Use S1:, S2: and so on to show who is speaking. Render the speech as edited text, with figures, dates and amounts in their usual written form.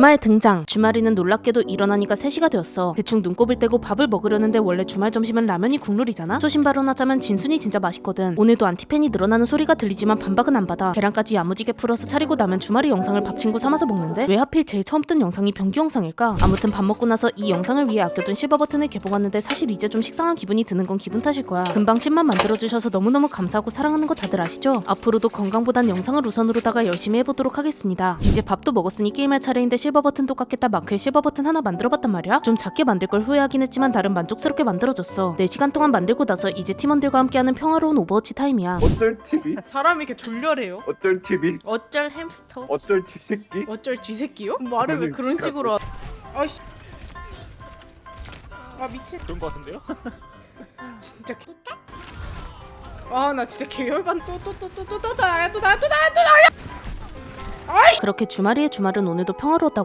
S1: 주말 등장. 주말이는 놀랍게도 일어나니까 3시가 되었어. 대충 눈곱을 떼고 밥을 먹으려는데 원래 주말 점심은 라면이 국룰이잖아. 소신 발언하자면 진순이 진짜 맛있거든. 오늘도 안티팬이 늘어나는 소리가 들리지만 반박은 안 받아. 계란까지 야무지게 풀어서 차리고 나면 주말이 영상을 밥 친구 삼아서 먹는데 왜 하필 제일 처음 뜬 영상이 변기 영상일까? 아무튼 밥 먹고 나서 이 영상을 위해 아껴둔 실버 버튼을 개봉하는데 사실 이제 좀 식상한 기분이 드는 건 기분 탓일 거야. 금방 10만 만들어주셔서 너무너무 감사하고 사랑하는 거 다들 아시죠? 앞으로도 건강보단 영상을 우선으로다가 열심히 해보도록 하겠습니다. 이제 밥도 먹었으니 게임할 차례인데 실버 버튼도 깎겠다 마크에 실버 버튼 하나 만들어봤단 말이야. 좀 작게 만들 걸 후회하긴 했지만 나름 만족스럽게 만들어졌어. 4시간 동안 만들고 나서 이제 팀원들과 함께하는 평화로운 오버워치 타임이야.
S2: 어쩔 TV?
S3: 사람이 이렇게 졸렬해요?
S2: 어쩔 TV?
S3: 어쩔 햄스터?
S2: 어쩔 쥐새끼?
S3: 어쩔 쥐새끼요? 말을 왜 그런 식으로 하... 아이씨 아 미친
S4: 그런 거 같은데요?
S3: 진짜 아나 진짜 계열반 또 나야.
S1: 그렇게 주말이의 주말은 오늘도 평화로웠다고